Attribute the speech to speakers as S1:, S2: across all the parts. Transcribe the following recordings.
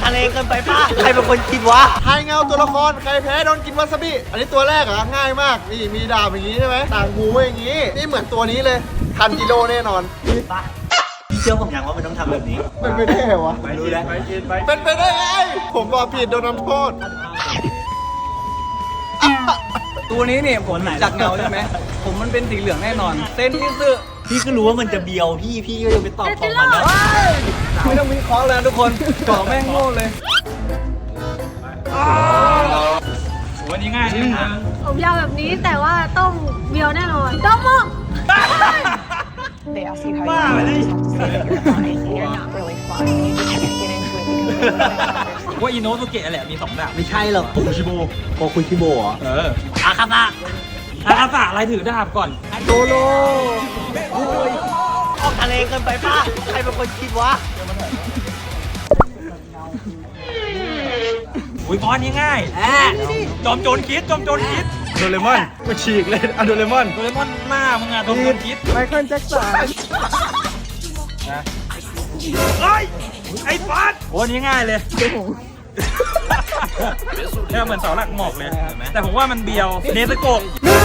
S1: ทะเลเกินไปป้าใครเป็นคนคิดวะ
S2: ทายเงาตัวละครใครแพ้โดนกินวาซาบิอันนี้ตัวแรกอ่ะง่ายมากนี่มีดาบอย่างนี้ใช่ไหมต่างหูไว้อย่างนี้นี่เหมือนตัวนี้เลยทันจิโร่แน่นอน
S1: ป้าเชื่อผมอย่างว่ามันต้องทำแบบนี้
S2: เป็นไปได้เหรอวะ
S1: ไม่รู้แล้ว
S2: เป็นไปได้ไงผมบอกผิดโดนทำโทษ
S3: ตัวนี้เนี่ยผมจากเงาใช่ไหมผมมันเป็นสีเหลืองแน่นอนเต้นที่ซื้อ
S1: พี่ก็รู้ว่ามันจะเบียวพี่ก็ยังไปตอบของมันนะ
S3: ไม่ต้องมีคล้องแล้วทุกคนเกาะแม่งโง่เลย
S4: วันนี้ง่ายนะ
S5: ผมยาวแบบนี้แต่ว่าต้องเบียวแน่นอนต้องมอง
S6: They ask you how
S1: Wow,
S6: you
S1: really?
S6: feel, you have to say that you're fine. You're not really fine. You just can't get into it because they don't understand.
S4: ว่าอิโนสุเกะแหละมี2ดาบ
S1: ไม่ใช่หรอกโคคุชิโบเหรอ อาคาตะ
S4: อาคาสะอะไรถือดาบก่อน
S1: โดโลออกทะเลเกินไปป้าใครเป็นคนคิดวะ
S4: อุ้ยบอลนี่ง่ายจอมโจรคิด
S2: โดเรมอนก็ฉีกเลยอะโดเรมอน
S4: โดเรมอนหน้ามึงอะจอมโจรคิด
S2: ไมเคิลแจ็คสัน
S4: เฮ้ยไอ้บอลโอ้นี่ง่ายเลยเนี่ยเหมือนเสาหลักหมอกเลยแต่ผมว่ามันเบียวเนสโกะ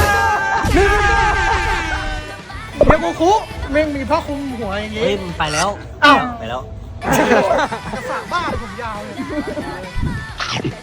S2: เดี๋ยวกูคุแม่งมีผ้าคลุมหัวอย่างงี้
S1: เฮ้ยมันไปแล้ว
S2: อ้าว
S1: ไปแล้ว
S2: กระสาบ้าผมยาวเลย